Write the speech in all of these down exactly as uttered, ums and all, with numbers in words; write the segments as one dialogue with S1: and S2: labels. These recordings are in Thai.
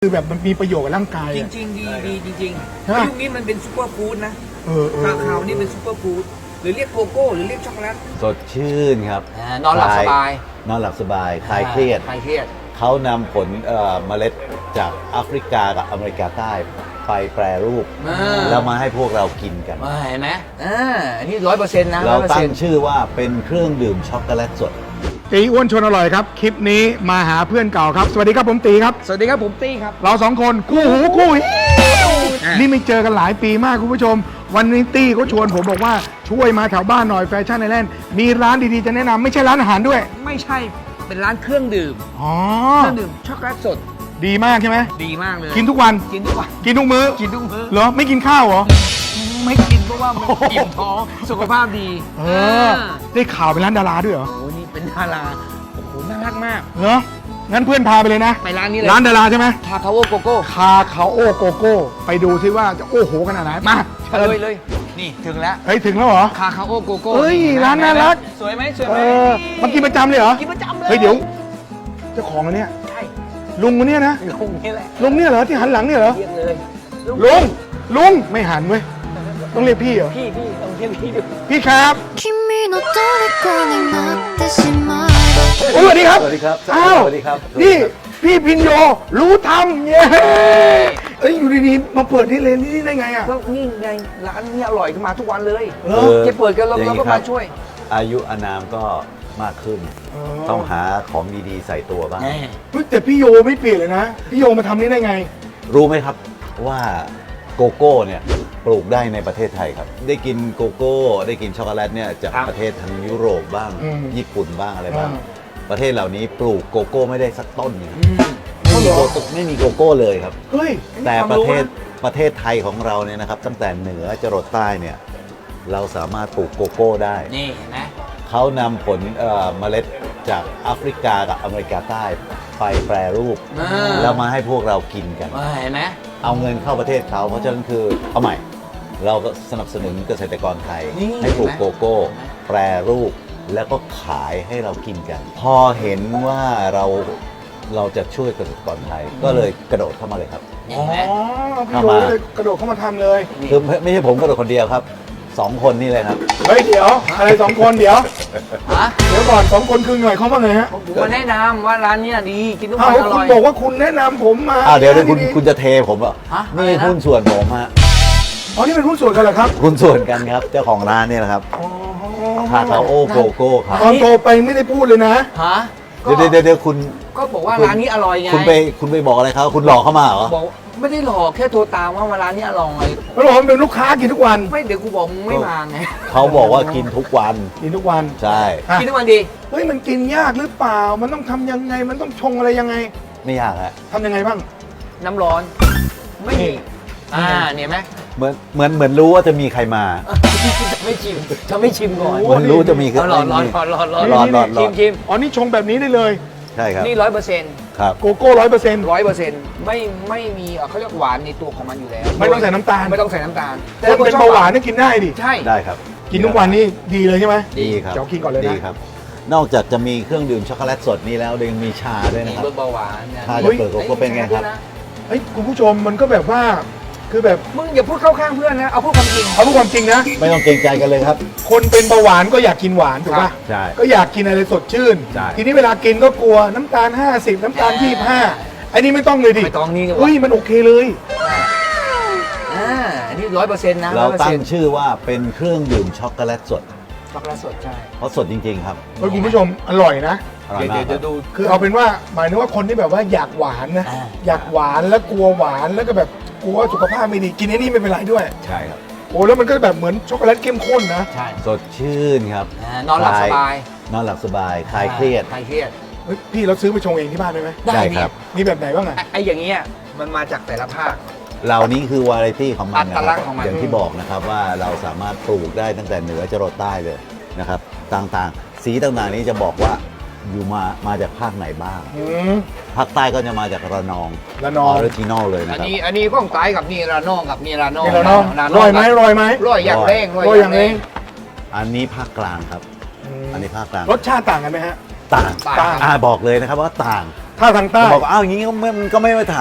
S1: คือแบบมันมีประโยชน์กับร่างกาย
S2: จ
S1: อะ
S2: ริงๆดีดีจริง
S1: ใช่ปะ
S2: ๆยุคนี้มันเป็นซูเปอร์ฟู้ดนะ
S1: เออเออ
S2: คาคาวนี่เป็นซูเปอร์ฟู้ดหรือเรียกโกโก้หรือเรียกช็อกโกแลต
S3: สดชื่นครับ
S2: อ่านอนหลับสบาย
S3: นอนหลับสบายคลายเครียด
S2: คลายเครียด
S3: เขานำผลเอ่อเมล็ดจากแอฟริกากับอเมริกาใต้ไปแปรรูป
S2: อ่า
S3: แล้วมาให้พวกเรากินกัน
S2: อ่าเห็นไหมอ่าอันนี้ร้อยเปอร์เซ็นต์นะ
S3: เราตั้ง
S2: ร้อยเปอร์เซ็นต์
S3: ชื่อว่าเป็นเครื่องดื่มช็อกโกแลตสด
S1: ตีอ้วนชวนอร่อยครับคลิปนี้มาหาเพื่อนเก่าครับสวัสดีครับผมตีครับ
S2: สวัสดีครับผมตี้ครับ
S1: เราสองคนคู่หูคู่หิ
S2: อ่ะ
S1: นี่ไม่เจอกันหลายปีมากคุณผู้ชม วันนี้ตี้เขาชวนผมบอกว่าช่วยมาแถวบ้านหน่อยแฟชั่นไอแลนด์มีร้านดีๆจะแนะนำไม่ใช่ร้านอาหารด้วย
S2: ไม่ใช่เป็นร้านเครื่องดื่ม
S1: อ๋อ
S2: เครื่องดื่มช็อกโกแลตสด
S1: ดีมากใช่ไหม
S2: ดีมากเลย
S1: กินทุกวัน
S2: กินทุกวัน
S1: กินทุกมื้อ
S2: กินทุกมื้อ
S1: เหรอไม่กินข้าวเหรอ
S2: ไม่กินเพราะว่ามันอิ่มท้องสุขภาพดี
S1: เออได้ข่าวเป็นร้านดาราด้วยเหรอ
S2: โอ้โหนี่เป็นดาราโอ้โหน่ารักมาก
S1: เหรองั้นเพื่อนพาไปเลยนะ
S2: ไปร้านนี้เลย
S1: ร้านดาราใช่ไหม
S2: คาคาโอโกโก้
S1: คาคาโอโกโก้ไปดูซิว่าจะโอ้โหขนาดไหนมาเชิญ
S2: เลยเลยนี่ถึงแล้ว
S1: เฮ้ยถึงแล้วเหรอ
S2: คาคาโอโกโก้
S1: เฮ้ย
S2: ห็ไหม
S1: ร้านน่ารัก
S2: สวยไหมสวย
S1: เอ
S2: ไหม
S1: อมากินประจำเลยเหรอ
S2: กินประจำเลย
S1: เฮ้ยเดี๋ยวเจ้าของอันเนี้ย
S2: ใช่
S1: ลุงคนเนี้ยนะ
S2: ลุงนี่แหละ
S1: ลุงเนี่ยเหรอที่หันหลังเนี่ยเหรอ
S2: เรียกเลย
S1: ลุงลุงไม่หันเว้ยต้องเรียกพี่เหรอ
S2: พี่พี่ต้องเรียกพี่ดู
S1: พี่ครับ
S4: 君の虜になってしまえば
S1: โอ้ยสวัสดีครับ
S3: สวัสดีครับ
S1: อ้าว
S3: สวัสดีครับ
S1: นี่พี่พินโยรู้ทำเย้เอ้ยอยู่ดีๆมาเปิดที่เลนนี่ได้ไงอ่ะ
S2: ก็นี่ไงร้านนี้อร่อยขึ้นมาทุกวันเลย
S1: เออ
S2: จะเปิดกันเรา
S3: อย่
S2: เรา
S3: ง
S2: ก็
S3: นี้ค
S2: มา
S3: รับ
S2: ช่วย
S3: อายุอานามก็มากขึ้น ต้องหาของดีๆใส่ตัวบ้าง
S1: เฮ้ยแต่พี่โยไม่เปลี่ยนเลยนะพี่โยมาทำนี่ได้ไง
S3: รู้ไหมครับว่าโกโก้เนี่ยปลูกได้ในประเทศไทยครับ ได้กินโกโก้ ได้กินช็อกโกแลตเนี่ยจาก
S2: ครับ
S3: ประเทศทางยุโรปบ้าง
S1: อืม
S3: ญี่ปุ่นบ้างอะไรบ้าง
S1: อ่า
S3: ประเทศเหล่านี้ปลูกโกโก้ไม่ได้สักต้นหนึ่ง
S1: อ๋อ
S3: ไม่
S1: เหร
S3: มี
S1: อ
S3: โกโก้ไม่มีโกโก้เลยครับ
S1: เฮ้ย
S3: แต่
S2: ความ
S3: ประ
S2: รู้
S3: เทศ
S2: นะ
S3: ประเทศไทยของเราเนี่ยนะครับ ตั้งแต่เหนือจรดใต้เนี่ยเราสามารถปลูกโกโก้ได้
S2: นี่เห็นไหม
S3: เขานำผลเอ่อเมล็ดจากแอฟริกากับอเมริกาใต้ไปแปรรูป
S2: อ่า
S3: แล้วมาให้พวกเรากินกัน
S2: อ่าเห็นไหม
S3: เอาเงินเข้าประเทศเขาเพราะฉะนั้นคือเอาใหม่ เราก็สนับสนุนเกษตรกรไทย
S2: นี่
S3: ให้ปลูก
S2: เห็นไหม
S3: โกโก้ แปรรูปแล้วก็ขายให้เรากินกัน พอเห็นว่าเราเราจะช่วยเกษตรกรไทย ก็เลยกระโดดเข้ามาเลยครับ
S2: เห็
S1: อ๋
S2: น
S1: อ
S2: ไหม
S1: พี่โยเลยกระโดดเข้ามาทำเลย
S3: คือไม่ไม่ใช่ผมกระโดดคนเดียวครับสองคนนี่เลยครับ
S1: เฮ้ยเดี๋ยวอะไรสองคนเดี๋ยว
S2: ฮะ
S1: เดี๋ยวก่อนสองคนคือหน่อยเขาว่าไงฮะ
S2: ผมมาแนะนำว่าร้านเนี้ยดีกินทุก
S1: อ้า
S2: วั
S1: วน
S2: อ
S1: คุ
S2: ร่
S1: ณ
S2: อย
S1: บอกว่าคุณแนะนำผมมา
S3: อ้าวเดี๋ยวเดี๋ยวคุณ
S1: ดีๆ
S3: คุณจะเทผมเหรอ่ะ
S2: ฮะ
S3: นี่
S2: อะไรนะ
S3: หุ้นส่วนผมฮะ
S1: อ๋อนี่เป็นหุ้นส่วนกันเหรอครับ
S3: หุ้นส่วนกันครับเจ้าของร้านเนี่ยนะครับ
S1: อ๋อ
S3: คาคาโอโกโก้ครับ
S1: ตอนโตไปไม่ได้พูดเลยนะ
S2: ฮะ
S3: เดี๋ยวเดี๋ยวเดี๋ยวคุณ
S2: ก็บอกว่าร้านนี้อร่อยไง
S3: คุณไปคุณไปบอกอะไรเขาคุณหลอกเข้ามาเหรอ
S2: บอกไม่ได้หลอกแค่โทรตามว่าร้านนี้อร่อย
S1: แล้วบอกว่าเป็นลูกค้ากินทุกวัน
S2: ไม่เดี๋ยวกูบอกมึงไม่มาไง
S3: เขาบอกว่ากินทุกวัน
S1: กินทุกวัน
S3: ใช่
S1: อ่ะ
S2: กินทุกวันดี
S1: เฮ้ยมันกินยากหรือเปล่า มันต้องทำยังไง มันต้องชงอะไรยังไง
S3: ไม่ยากฮะ
S1: ทำยังไงบ้าง
S2: น้ำร้อน ไม่มี
S1: นี่
S2: อ่าเนี่ยไหม
S3: เหมือนเหมือนเหมือนรู้ว่าจะมีใครมา
S2: จะไม่ชิมจะไม่ชิมก่อน
S1: โอ้
S3: เหมือนรู้จะมี
S2: เอาร้อนร้อนร้อนร้อนร้อน
S3: ร้อนร้อนร้
S2: ชิ
S3: อ
S2: ม
S3: น
S2: ชิม
S1: อ๋อนี่ชงแบบนี้ได้เลย
S3: ใช่ครับ
S2: นี่ร้อยเปอร์เซ็นต์
S3: ครับ
S1: โกโก้ร้อยเปอร์เซ็นต์
S2: ร้อยเปอร์เซ็นต์ไม่ไม่มีเอ่อเขาเรียกหวานในตัวของมันอยู่แล้ว
S1: ไม่ต้องใส่น้ำตาล
S2: ไม่ต้องใส่น้ำตาล
S1: คนเป็นเบาหวานนี่กินได้ดิ
S2: ใช่
S3: ได้ครับ
S1: กินทุกวันนี่ดีเลยใช่ไหม
S3: ดีครับ
S1: เดี๋ยวกินก่อนเลยนะ
S3: ดีครับ นอกจากจะมีเครื่องดื่มช็อกโกแลตสดนี้แล้วยังมีชาด้วยนะครับ
S2: ลดเบาหวานเนี่ย
S3: ชาจากเปลือกโกโก้เป็นไงครับ
S1: เฮ้ยคุณผู้ชมมันก็แบบว่า คือแบบ
S2: มึงอย่าพูดเข้าข้างเพื่อนนะ เอาพูดความจริง
S1: เอาพูดความจริงนะ
S3: ไม่ต้องเกรงใจกันเลยครับ
S1: คนเป็นเบาหวานก็อยากกินหวานถูก
S2: ครั
S1: ป่ะ
S2: บ
S3: ใช่
S1: ก็อยากกินอะไรสดชื่น
S3: ใช่
S1: ทีนี้เวลากินก็กลัวน้ำตาลห้าสิบน้ำตาลยี่สิบห้าอันนี้ไม่ต้องเลยดิ
S2: ไม่ต้องนี่ก็
S1: เฮ้ยมันโอเคเลย
S2: อ่าอันนี้ร้อยเปอร์เซ็นต์นะ
S3: เราตั้ง
S2: 100%
S3: ชื่อว่าเป็นเครื่องดื่มช็อกโกแลตสด
S2: ช็อกโกแลตสดใช่
S3: เพราะสดจริงๆครับ
S1: เฮ้ยคุณผู้ชมอร่อยนะ
S3: อร่อย
S2: เดี๋ยว
S3: มาก
S2: เดี๋ยว
S3: ครับ
S2: ดู
S1: คือเอาเป็นว่าหมายถึงว่าคนที่แบบว่าอยากหวานนะ
S2: อ่า
S1: อยากหวานแล้วกลัวหวานแล้วก็แบบกลัวว่าสุขภาพไม่ดีกินไอ้นี่ไม่เป็นไรด้วย
S3: ใช่ครับ
S1: โอ้แล้วมันก็แบบเหมือนช็อกโกแลตเข้มข้นนะ
S2: ใช่
S3: สดชื่นครับ
S2: อ่านอนหลับสบาย
S3: นอนหลับสบายคลายเครียด
S2: คลายเครียด
S1: เฮ้ยพี่เราซื้อไปชงเองที่บ้านได้ไหม
S3: ได้ครับ
S1: มีแบบไหนบ้างอ่ะ
S2: ไอ้ไอ้อย่างเงี้ยมันมาจากแต่ละภาค
S3: เหล่านี้คือวาไรตี้ของมันนะ
S2: อัต
S3: ค
S2: ลั
S3: รั
S2: ก
S3: บ
S2: ษณ์ของมัน
S3: อย่างที่บอกนะครับว่าเราสามารถปลูกได้ตั้งแต่เหนือจรดใต้เลยนะครับ ต่างๆ สีต่างๆนี้จะบอกว่าอยู่มามาจากภาคไหนบ้าง
S1: อืม
S3: ภาคใต้ก็จะมาจากระนอง
S1: ระนอง
S3: ออริจินอลเลย
S2: อั
S3: นะ
S2: น
S3: ครับ
S2: นี้อันนี้ข้องใต้กับนี่ระนองกับนี่ระนอง
S1: นี่เราเนาะ
S2: ระน
S1: ร่
S2: ง
S1: อยไหม
S2: กับ
S1: ร่อยไหม
S2: ร่อยอย่างแรง
S1: ร่อยอย่างนี้
S3: อันนี้ภาคกลางครับ อันนี้ภาคกลาง
S1: รสชาติต่างกันไหมฮะ
S3: ต่าง
S2: ต่าง
S1: ต่าง
S3: อ่าบอกเลยนะครับว่าต่าง
S1: ถ้าทางใต้
S3: บอกว่าอ้าวอย่างนี้ก็ไม่มันก็ไม่มาตรฐาน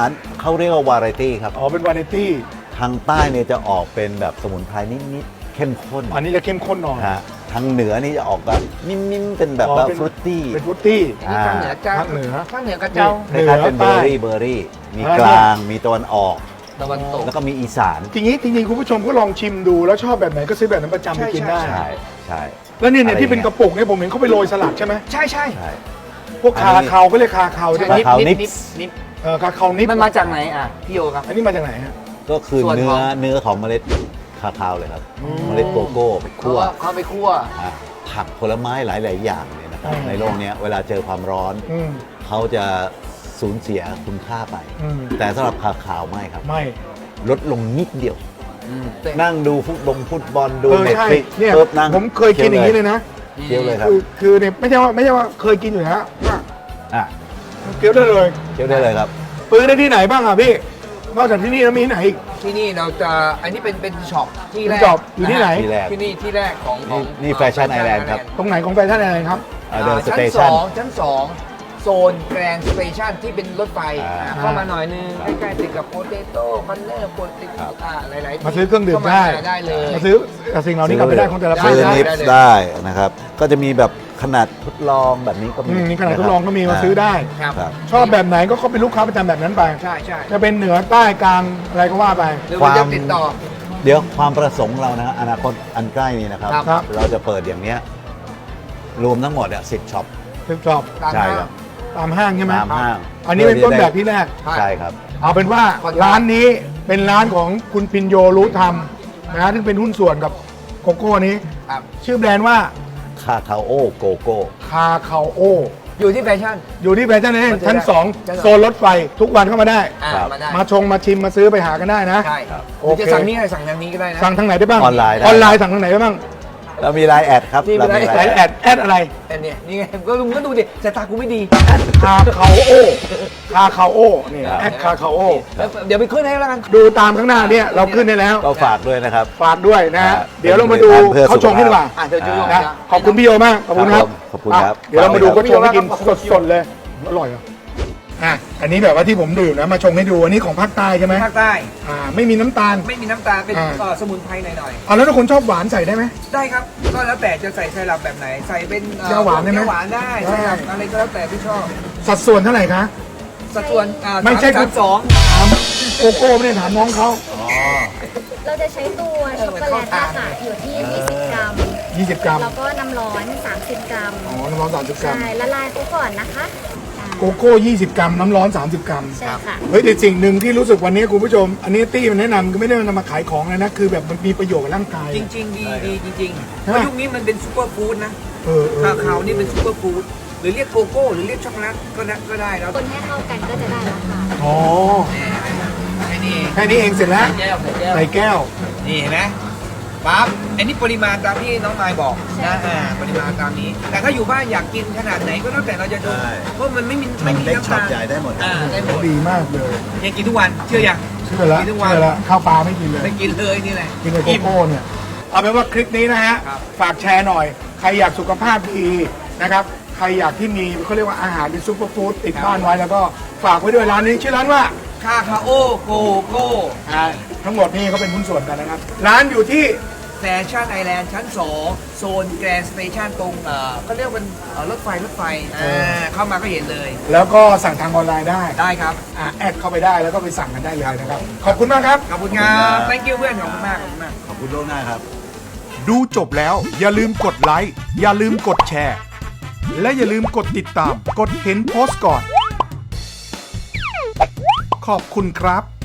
S3: เขาเรียกว่าวาไรตี้ครับ
S1: อ๋อเป็นวาไรตี้
S3: ทางใต้เนี่ยจะออกเป็นแบบสมุนไพรนิดๆเข้มข้น
S1: อันนี้จะเข้มข้นหน่อย
S3: ฮะทางเหนือนี่จะออกแบบนิ่มๆเป็นแบบว่า
S1: อ๋อเป็น
S3: ฟรุตตี้
S1: เป็นฟรุตตี้
S2: นี่ภาคเหนือเจ้า
S1: ภาคเหนือ
S2: ภาคเหนือกระเจ้า
S3: คล้ายๆเป็นเบอร์รี่เบอร์รี่ มี
S1: อ่าก
S3: ลางมีตะวันออก
S2: ตะวันตก
S3: แล้วก็มีอีสาน
S1: ทีนี้จริงๆคุณผู้ชมก็ลองชิมดูแล้วชอบแบบไหนก็ซื้อแบบนั้นประจำไปกินได้
S3: ใช่ใช่
S1: แล้วเนี่ยเนี่ย
S3: อะไร
S1: ที่เป็น
S3: อย่าง
S1: ก
S3: เงี้ย
S1: ระปุกเนี่ยผมเห็นเขาไปโรยสลัดใช่ไหม
S2: ใช่ใช่
S3: ใช่
S1: พวก
S3: อัน
S1: คา
S3: นี้
S1: คาวก็เรียกคาคาวใช่ไหม
S3: คาคาวนิป
S2: นิปนิป
S1: เออคาคาวนิป
S2: มันมาจากไหนอ่ะพี่โยครับ
S1: อันนี้มาจากไหนฮะ
S3: ก็คือ
S2: ส่วน
S3: เนื้
S2: ข
S3: อ
S2: อง
S3: เนื้อของเมล็ดคาคาวเลยครับ เมล็ดโกโก้ไป
S2: เขา
S3: คั่ว
S2: เขาไปคั่ว
S3: อ่ะผักผลไม้หลาย ๆ อย่างเนี่ยนะครับ
S1: อืม
S3: ในโลกเนี้ยเวลาเจอความร้อน
S1: อืม
S3: เขาจะสูญเสียคุณค่าไป
S1: อืม
S3: แต่สำหรับคาคาวไม่ครับ
S1: ไม่
S3: ลดลงนิดเดียว
S2: อืมแต่
S3: นั่งดูฟุตบงฟุตบอลดู
S1: เออ
S3: เน็ต
S1: ใช่
S3: ฟลิก
S1: เนี่ย
S3: ปุ๊บนั่ง
S1: ผมเคยกินอย่างนี้เลยนะ
S3: เคี้ยวเลยครับ
S1: คือคือเนี่ยไม่ใช่ว่าไม่ใช่ว่าเคยกินอยู่แล้วว่า
S3: อ่ะ
S1: เคี้ยวได้เลย
S3: เคี้ยวได้เลยครับ
S1: ซื้อได้ที่ไหนบ้างอ่ะพี่นอกจากที่นี่แล้วมีที่ไหนอีก
S2: ที่นี่เราจะอันนี้เป็นเป็นช็อปที่แรก
S1: ช็อปอยู่ที่ไหน
S3: ที่แรก
S2: ที่นี่ที่แรกของของ
S3: นี่นี่ Fashion Island ครับ
S1: ตรงไหนของแฟชั่นอะไรครับ
S3: อ่ะเดินส
S2: ชั้น
S3: เต
S2: ส
S3: ชัน
S2: องชั้นสองโซนแกรนด์สเตชันที่เป็นรถไฟ
S3: อ่า
S2: อ่าเข้ามาหน่อยนึงใกล้ๆติดกับโปเตโต้คอนเนอร์โปเต
S3: ครับ
S2: อ่าหลายๆที่
S1: มาซื้อเครื่องดื่ม
S2: ข้าา
S1: ได้
S2: ได้เลย
S1: มาซื้อสิ่งเหล่านี้กลับไปได้ของแต่ละ
S2: ได้
S1: ภาค
S3: ซื้อ
S1: ได้
S3: นิป
S2: ได้เลย
S3: ได้นะครับ ก็จะมีแบบขนาดทดลองแบบนี้ก็มี
S1: อืมนี่ขนาดทดลองก็มีมาซื้อได้
S2: ครับ
S3: ครับ
S1: ชอบแบบไหนก็เขาเป็นลูกค้าประจำแบบนั้นไป
S2: ใช่ใช่
S1: จะเป็นเหนือใต้กลางอะไรก็ว่าไป
S2: หรือว่าจะติดต่อ
S3: เดี๋ยวความประสงค์เรานะอนาคตอันใกล้นี้นะครับ
S2: ครับ
S1: ครับ
S3: เราจะเปิดอย่างเนี้ยรวมทั้งหมดอ่ะสิบช็อป
S1: ซื้อชอบ
S2: ตาม
S3: ใช่
S2: ห้าง
S3: ครับ
S1: ตามห้างใช่ไหม
S3: ตามห้าง
S1: อันนี้เป็นต้นแบบที่แรก
S2: ใช่
S3: ใช่ครับ
S1: เอาเป็นว่า
S2: ขออนุญาต
S1: ร้านนี้เป็นร้านของคุณพินโยรู้ธรรมนะซึ่งเป็นหุ้นส่วนกับโกโก้นี้
S2: ครับ
S1: ชื่อแบรนด์ว่า
S3: คาคาโอโกโก้
S1: คาคาโอ
S2: อยู่ที่แฟชั่น
S1: อยู่ที่แฟชั่นเอง
S2: มันจะ
S1: ชั้น
S2: ได้
S1: สอง
S2: ชั้นสอง
S1: โซนรถไฟทุกวันเข้ามาได้
S2: อ่า
S3: ครับ
S2: มาได้
S1: มาชงมาชิมมาซื้อไปหากันได้นะ
S2: ใช่
S3: ครับ
S2: หรือจะ
S1: โอเค
S2: สั่งนี้อะไรสั่งทางนี้ก็ได้นะ
S1: สั่งทางไหนได้บ้าง
S3: ออนไลน์ได้
S1: ออนไลน์สั่งทางไหนได้บ้าง
S3: เรามีไลน์แอดครับ
S2: มี
S3: เรามี
S2: ไลน์
S1: ไล
S3: ไลน์
S1: น์
S3: แอ
S1: แอ
S3: ด
S1: ดแอดอะไร
S2: แต่เนี่ยนี่ไงก็ลุงก็ดูดิสายตากูไม่ดี
S1: คาคาโอคาคาโอนี่แอดคาคาโอ
S2: เดี๋ยวไปขึ้นให้แล้วกัน
S1: ดูตามข้างหน้าเนี่ยเราขึ้นได้แล้ว
S3: ก็ฝากด้วยนะครับ
S1: ฝากด้วยนะฮะ
S3: ครับ
S1: เดี๋ยวเรามาดู
S3: เพื่อสุขภาพ
S1: เขาชงให้ดีกว่า
S2: อ่ะเดี๋ยวจะลง
S1: นะ
S2: นะ
S1: ขอบคุณพี่โยมากขอบคุณครับ
S3: ขอบคุณครับ
S1: อ่ะเดี๋ยวเรามาดู
S3: ขอบคุ
S1: เขา
S3: ณ
S1: ชงให้กิน
S2: ขอบคุณ
S1: สดๆเลยอร่อยเหรออ่ะอันนี้แบบว่าที่ผมดื่มนะมาชงให้ดูอันนี้ของภาคใต้ใช่ไหม
S2: ภาคใต้
S1: อ่าไม่มีน้ำตาล
S2: ไม่มีน้ำตาลเป็น
S1: อ่า
S2: เอ่อสมุนไพรหน่อย
S1: เอาแล้วถ้าคนชอบหวานใส่ได้ไหม
S2: ๆได้ครับ ก็แล้วแต่จะใส่ไซรัปแบบไหน ใส่เป็นอ่อ
S1: เจียวหวานได้ไหม
S2: เจียวหวานได้
S1: ได้
S2: ไซรัปอะไรก็แล้วแต่ที่ชอบ
S1: สัดส่วนเท่าไหร่คะ
S2: สัดส่วนอ่า
S1: ไม่ใช่
S2: สามสอง
S1: ถามโกโก้ไม่ได้ถามน้องเขา
S5: เราจะใช้ตัวช็อกโกแลตอะค่ะอยู่ที่ ยี่สิบ กรัม
S1: ยี่สิบกรัม
S5: แล้วก็น้ำร้อน สามสิบ กรัม
S1: อ๋อน้ำร้อนสามสิบกรัม
S5: ใช่ ละลายเขาก่อนนะคะอ่า
S1: โกโก้ยี่สิบกรัมน้ำร้อนสามสิบกรัม
S5: ใช่ค่ะ
S1: เฮ้ยแต่สิ่งหนึ่งที่รู้สึกวันนี้คุณผู้ชม อันนี้ตี้มันแนะนำก็ไม่ได้นำมาขายของเลยนะ คือแบบมันมีประโยชน์กับร่างกาย
S2: จริงๆ ดีดีจริงๆเพ
S1: ใช่ไหม
S2: ราะยุคนี้มันเป็นซูเปอร์ฟู้ดนะ
S1: เออเออ
S2: คาคาวนี่เป็นซูเปอร์ฟู้ดหรือเรียกโกโก้หรือเรียกช็อกโกแลตก็ได้ก็ได้แล้ว
S5: คนให้เข้ากันก็จะได้แล้วค่ะ
S1: อ๋อ
S2: ไอ้นี่
S1: แค่นี้เองเสร็จแล้ว
S2: แก้วใส่แก้ว
S1: ใส่แก้ว
S2: นี่เห็นไหมปั๊บอันนี้ปริมาณตามที่น้องมายบอกนะอ่าปริมาณตามนี้ แต่ถ้าอยู่บ้านอยากกินขนาดไหนก็แล้วแต่เราจะดู
S3: ใช่
S2: เพราะมันไม่มี
S3: มั
S2: ไม่
S3: น
S2: มี
S3: เล็ก
S2: น้ำ
S3: ช็อ
S2: ตา
S3: ป
S2: ล
S3: ใหญ่ได้หมดครับ
S2: อ่าได้หมด
S1: ดีมากเลย
S2: เนี่ยกินทุกวันเชื่อยัง
S1: เชื่อแล้ว
S2: กินทุกวัน
S1: เชื่อแล้วข้าวปลาไม่กินเลย
S2: ไม่กินเลยนี่แหละ
S1: กินกับโกโก้เนี่ยเอาเป็นว่าคลิปนี้นะฮะ
S2: ครับ
S1: ฝากแชร์หน่อย ใครอยากสุขภาพดีนะครับใครอยากที่มีเขาเรียกว่าอาหารเป็นซุปเปอร์ฟู้ดติดบ้านไว้แล้วก็ฝากไว้ด้วยร้านนี้ชื่อร้านว่า
S2: คาคาโอโกโก้
S1: อ่าทั้งหมดนี่เขาเป็นหุ้นส่วนกันนะครับ ร้านอยู่ที่
S2: แฟชั่นไอแลนด์ชั้นสองโซนแกรนด์สเตชันตรงเอ่อเขาเรียกว่าเป็นเอ่อรถไฟรถไฟอ่าเข้ามาก็เห็นเลย
S1: แล้วก็สั่งทางออนไลน์ได้
S2: ได้ครับ
S1: อ่าแอดเข้าไปได้แล้วก็ไปสั่งกันได้เลยนะครับ ขอบคุณมากครับ
S2: ขอบคุณครับ thank you เพื่อนขอบคุณมากขอบคุณมาก
S3: ขอบคุณล่วงหน้าครับ
S6: ดูจบแล้วอย่าลืมกดไลค์อย่าลืมกดแชร์ และอย่าลืมกดติดตาม กดเห็นโพสต์ก่อน ขอบคุณครับ